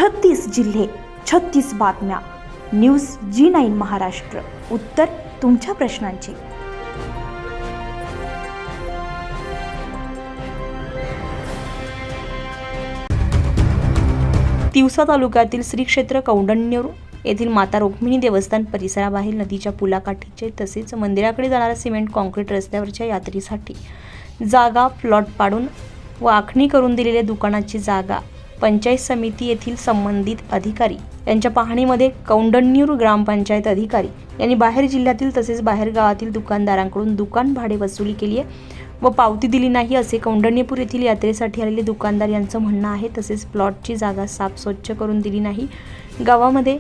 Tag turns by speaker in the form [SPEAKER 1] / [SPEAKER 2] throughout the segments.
[SPEAKER 1] 36 जिल्हे, 36 बातम्या. News G9 Maharashtra. उत्तर तुमच्या प्रश्नांची. तिवसा तालुक्यातील श्री क्षेत्र कौंडण्यपूर येथील माता रुक्मिणी देवस्थान परिसराबाहेर नदीच्या पुलाकाठीचे तसेच मंदिराकडे जाणाऱ्या सिमेंट कॉन्क्रीट रस्त्यावरच्या यात्रेसाठी जागा प्लॉट पाडून व आखणी करून दिलेल्या दुकानाची जागा पंचायत समिती येथील संबंधित अधिकारी यांच्या पाहणीमध्ये कौंडण्यपूर ग्रामपंचायत अधिकारी यांनी बाहेर जिल्ह्यातील तसेच बाहेर गावातील दुकानदारांकडून दुकान भाडे वसुली केली आहे व पावती दिली नाही असे कौंडण्यपूर येथील यात्रेसाठी आलेले दुकानदार यांचं म्हणणं आहे. तसेच प्लॉटची जागा साफ स्वच्छ करून दिली नाही. गावामध्ये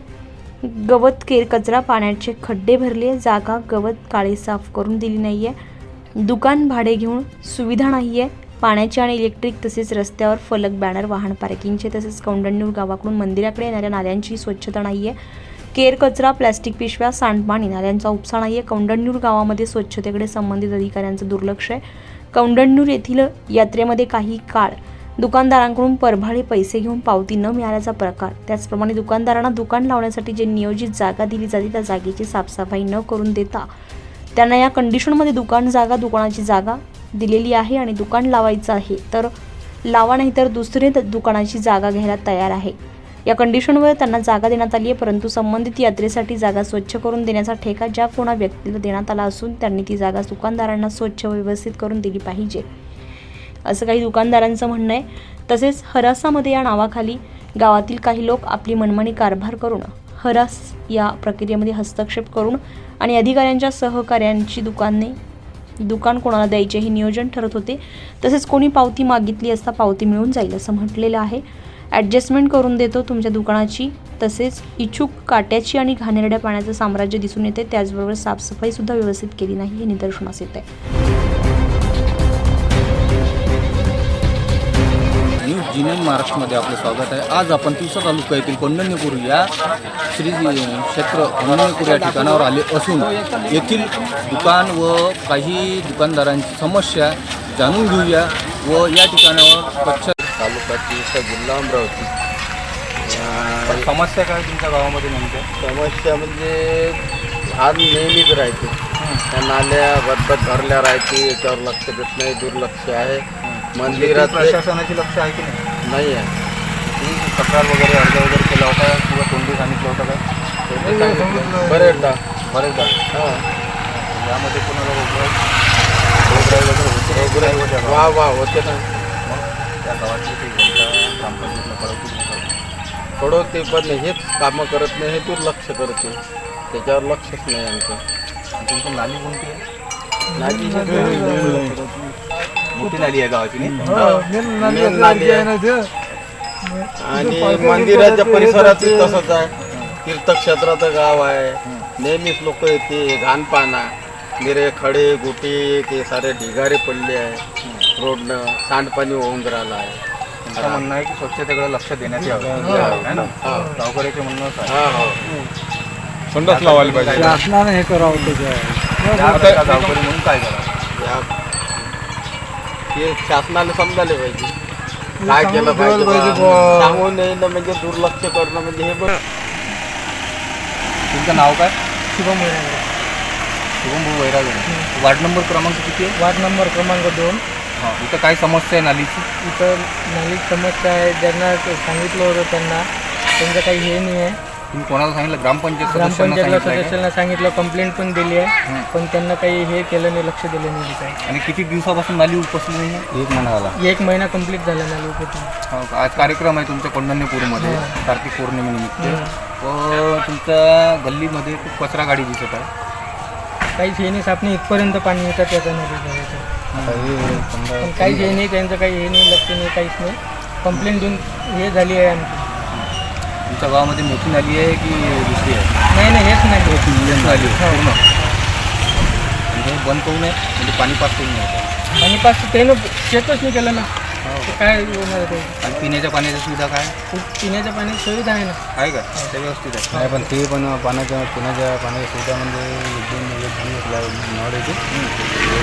[SPEAKER 1] गवत कचरा पाण्याचे खड्डे भरले. जागा गवत काळे साफ करून दिली नाही आहे. दुकान भाडे घेऊन सुविधा नाही आहे. पाण्याचे आणि इलेक्ट्रिक तसेच रस्त्यावर फलक बॅनर वाहन पार्किंगचे तसेच कौंडण्यपूर गावाकडून मंदिराकडे येणाऱ्या नाल्यांची स्वच्छता नाही आहे. कचरा प्लॅस्टिक पिशव्या सांडपाणी नाल्यांचा उपसा नाही आहे. कौंडण्यपूर गावामध्ये स्वच्छतेकडे संबंधित अधिकाऱ्यांचं दुर्लक्ष आहे. कौंडण्यपूर येथील यात्रेमध्ये काही काळ दुकानदारांकडून परभाडे पैसे घेऊन पावती न मिळाल्याचा प्रकार. त्याचप्रमाणे दुकानदारांना दुकान लावण्यासाठी जे नियोजित जागा दिली जाते त्या जागेची साफसफाई न करून देता त्यांना या कंडिशनमध्ये दुकानाची जागा दिलेली आहे आणि दुकान लावायचं आहे तर लावा, नाही तर दुसरे दुकानाची जागा घ्यायला तयार आहे. या कंडिशनवर त्यांना जागा देण्यात आली आहे. परंतु संबंधित यात्रेसाठी जागा स्वच्छ करून देण्याचा ठेका ज्या कोणा व्यक्तीला देण्यात आला असून त्यांनी ती जागा दुकानदारांना स्वच्छ व व्यवस्थित करून दिली पाहिजे असं काही दुकानदारांचं म्हणणं आहे. तसेच हरासामध्ये या नावाखाली गावातील काही लोक आपली मनमानी कारभार करून हरास या प्रक्रियेमध्ये हस्तक्षेप करून आणि अधिकाऱ्यांच्या सहकार्यांची दुकान कोणाला द्यायचे हे नियोजन ठरत होते. तसेच कोणी पावती मागितली असता पावती मिळून जाईल असं म्हटलेलं आहे. ॲडजस्टमेंट करून देतो तुमच्या दुकानाची. तसेच इच्छुक काट्याची आणि घाणेरड्या पाण्याचं साम्राज्य दिसून येते. त्याचबरोबर साफसफाईसुद्धा व्यवस्थित केली नाही हे निदर्शनास येत आहे.
[SPEAKER 2] न्यूज G9 महाराष्ट्रामध्ये आपलं स्वागत आहे. आज आपण तिवसा तालुका येथील कौंडण्यपूर या श्री क्षेत्र कौंडण्यपूर या ठिकाणावर आले असून येथील दुकान व काही दुकानदारांची समस्या जाणून घेऊया व या ठिकाणावर स्वच्छ
[SPEAKER 3] तालुक्याची जिल्हा अमरावती.
[SPEAKER 2] समस्या काय तुमच्या गावामध्ये नेमक्या?
[SPEAKER 3] समस्या म्हणजे आज नेहमीच राहते. त्या नाल्या बदबद भरल्या राहते, याच्यावर लक्ष देत नाही, दुर्लक्ष आहे. मंदिरात
[SPEAKER 2] प्रशासनाची लक्ष आहे की
[SPEAKER 3] नाही आहे.
[SPEAKER 2] तुम्ही तक्रार वगैरे अर्ज वगैरे केला होता किंवा तोंडी सांगितलं होतं का?
[SPEAKER 3] बरेचदा
[SPEAKER 2] हां. यामध्ये कोणाला
[SPEAKER 3] वा होते ना.
[SPEAKER 2] त्या गावाची ती जनता ग्रामपंचायतीला
[SPEAKER 3] कळवते पण हेच कामं करत नाही, हे दुर्लक्ष करते. त्याच्यावर लक्षच नाही आमचं.
[SPEAKER 2] तुमची नाली कोणती आहे?
[SPEAKER 3] मोठी
[SPEAKER 2] नाली आहे गावाची
[SPEAKER 3] आणि मंदिराच्या परिसरात तसंच आहे. तीर्थक्षेत्राचं गाव आहे. नेहमीच लोक येते, घाण पाना निरे खडे गोटे ते सारे ढिगारे पडले आहे. रोडनं सांडपाणी होऊन राहिलं आहे.
[SPEAKER 2] तुमचं म्हणणं आहे की स्वच्छतेकडे लक्ष देण्यात यावं आहे ना? गावकऱ्याचे म्हणणं
[SPEAKER 4] संडास लावायला पाहिजे.
[SPEAKER 5] शासनाने हे करावं.
[SPEAKER 2] गावकरी म्हणून काय करावं
[SPEAKER 3] हे शासनाने समजायला पाहिजे. काय केलं पाहिजे सांगून नाही ना, म्हणजे दुर्लक्ष करणं म्हणजे हे बरं.
[SPEAKER 2] तुमचं नाव काय?
[SPEAKER 5] शुभम वैराग.
[SPEAKER 2] शुभम भाऊ वैराग. वार्ड नंबर क्रमांक किती आहे?
[SPEAKER 5] वार्ड नंबर क्रमांक 2.
[SPEAKER 2] हां. इथं काय समस्या आहे नालीची?
[SPEAKER 5] इथं नालीची समस्या आहे. ज्यांना सांगितलं होतं त्यांचं काही हे नाही आहे.
[SPEAKER 2] तुम्ही कोणाला सांगितलं?
[SPEAKER 5] ग्रामपंचायतला सदस्यांना सांगितलं, कंप्लेंट पण दिली आहे. पण त्यांना काही हे केलं नाही, लक्ष दिलं नाही काय.
[SPEAKER 2] आणि किती दिवसापासून नाली उपसली नाही? 1 महिना झाला.
[SPEAKER 5] 1 महिना कंप्लीट झाला नाली उपसून.
[SPEAKER 2] हो. आज कार्यक्रम आहे तुमच्या कौंडण्यपूरमध्ये कार्तिक पौर्णिमेनिमित्त व तुमच्या गल्लीमध्ये खूप कचरा गाडी दिसत आहे.
[SPEAKER 5] काहीच हे नाही, सापणे इथपर्यंत पाणी येतं त्याचं नाही. पण काहीच हे नाही, त्यांचं काही हे नाही, लक्ष नाही, काहीच नाही. कंप्लेंट देऊन हे झाली आहे आमची.
[SPEAKER 2] तुमच्या गावामध्ये मोठी नाली आहे की दुसरी आहे?
[SPEAKER 5] नाही, हेच नाही.
[SPEAKER 2] नाली पूर्ण म्हणजे बंद करून आहे म्हणजे पाणी पास करून आहे.
[SPEAKER 5] पाणी पास त्यानं चेकच नाही केलं ना. काय होणार ते?
[SPEAKER 2] आणि पिण्याच्या पाण्याची सुविधा काय?
[SPEAKER 5] पिण्याच्या पाण्याची सुविधा आहे ना.
[SPEAKER 2] आहे का? ते व्यवस्थित आहे.
[SPEAKER 4] नाही, पण ते पण पिण्याच्या पाण्याची सुविधा म्हणजे नळ येते.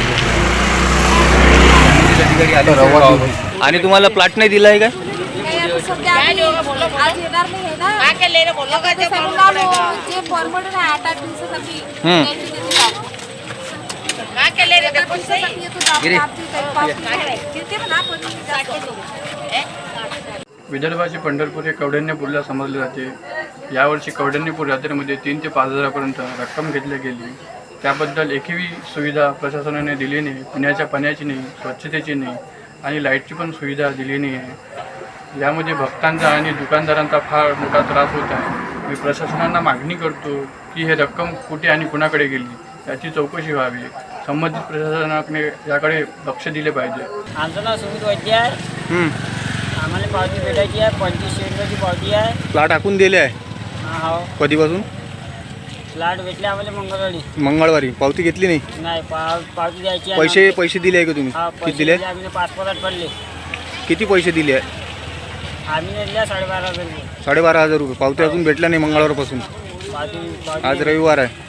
[SPEAKER 2] अधिकारी आले आणि तुम्हाला प्लॉट नाही दिला आहे का?
[SPEAKER 6] सध्या आम्ही आज येणार नाही आहे ना आता सांगून आलो जे फॉर्मॅट आहे 8 दिवसासाठी त्यांची त्यांची लावू. एका दिवसासाठी येतो तर आपली काही पाच किती म्हणा पण जास्त होतो.
[SPEAKER 7] विदर्भाचे पंढरपूर हे कौंडण्यपूरला समजले जाते. यावर्षी कौंडण्यपूर यात्रेमध्ये 3 ते 5 हजारापर्यंत रक्कम घेतली गेली. त्याबद्दल एकही सुविधा प्रशासनाने दिली नाही. पिण्याच्या पाण्याची नाही, स्वच्छतेची नाही आणि लाईटची पण सुविधा दिली नाही आहे. यामध्ये भक्तांचा आणि दुकानदारांचा फार मोठा त्रास होत आहे. मी प्रशासनाला मागणी करतो की हे रक्कम कुठे आणि कुणाकडे गेली याची चौकशी व्हावी. संबंधित प्रशासनाने याकडे लक्ष दिले पाहिजे.
[SPEAKER 8] आमचं नाव सुमित वैद्य आहे. आम्हाला पावती भेटायची आहे. 25 रुपयाची पावती आहे.
[SPEAKER 2] प्लॉट टाकून दिले आहे
[SPEAKER 8] हो,
[SPEAKER 2] कधीपासून?
[SPEAKER 8] फ्लॅट भेटले आम्हाला
[SPEAKER 2] मंगळवारी. पावती घेतली नाही?
[SPEAKER 8] नाही पावती द्यायची आहे.
[SPEAKER 2] पैसे दिले आहे का तुम्ही?
[SPEAKER 8] हा,
[SPEAKER 2] किती
[SPEAKER 8] पैसे
[SPEAKER 2] दिले?
[SPEAKER 8] दिले आम्ही पासपोर्टात पडले.
[SPEAKER 2] किती पैसे दिले आहे?
[SPEAKER 8] आम्ही दिल्या 12,500 रुपये.
[SPEAKER 2] 12,500 रुपये. पावती अजून भेटल्या नाही मंगळवारपासून. आज रविवार आहे.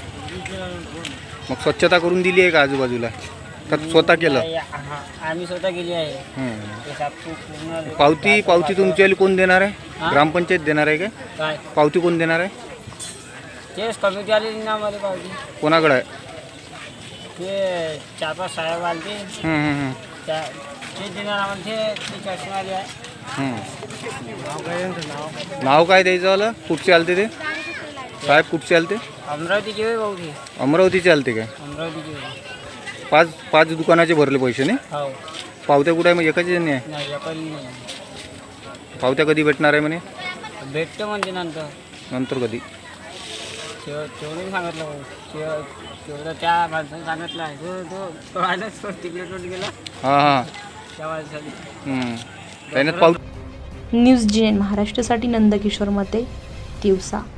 [SPEAKER 2] मग स्वच्छता करून दिली आहे का आजूबाजूला? का स्वतः केलं?
[SPEAKER 8] आम्ही स्वतः गेली आहे. ते साफसूफ पूर्ण
[SPEAKER 2] पावती तुमच्या कोण देणार आहे? ग्रामपंचायत देणार आहे का?
[SPEAKER 8] काय
[SPEAKER 2] पावती कोण देणार आहे?
[SPEAKER 8] तेच कमिटी आली ना आम्हाला पावती.
[SPEAKER 2] कोणाकडे आहे?
[SPEAKER 8] ते 4-5 साहेब आले ते त्या ते देणार आम्हाला. ते चष्मा आले आहे.
[SPEAKER 2] नाव काय द्यायचं आलं? कुठचे आलते ते साहेब? कुठचे आलते?
[SPEAKER 8] अमरावतीची होय भाऊ ते.
[SPEAKER 2] अमरावतीचे आलते काय?
[SPEAKER 8] अमरावतीची होय.
[SPEAKER 2] पाच दुकानाचे भरले पैसे नाही?
[SPEAKER 8] हो.
[SPEAKER 2] पावत्या कुठे आहे? मग एकाच नाही आहे?
[SPEAKER 8] नाही एकाही नाही.
[SPEAKER 2] पावत्या कधी भेटणार आहे म्हणे?
[SPEAKER 8] भेटतो म्हणजे
[SPEAKER 2] नंतर कधी?
[SPEAKER 8] तेवढं सांगितलं भाऊ. तेवढं त्या माणसाने सांगितलं आहे. तो आलाच तिकडे गेला
[SPEAKER 2] हां
[SPEAKER 8] त्या माणसाने.
[SPEAKER 2] त्याने
[SPEAKER 1] न्यूज GN महाराष्ट्रासाठी नंदकिशोर मते, तिवसा.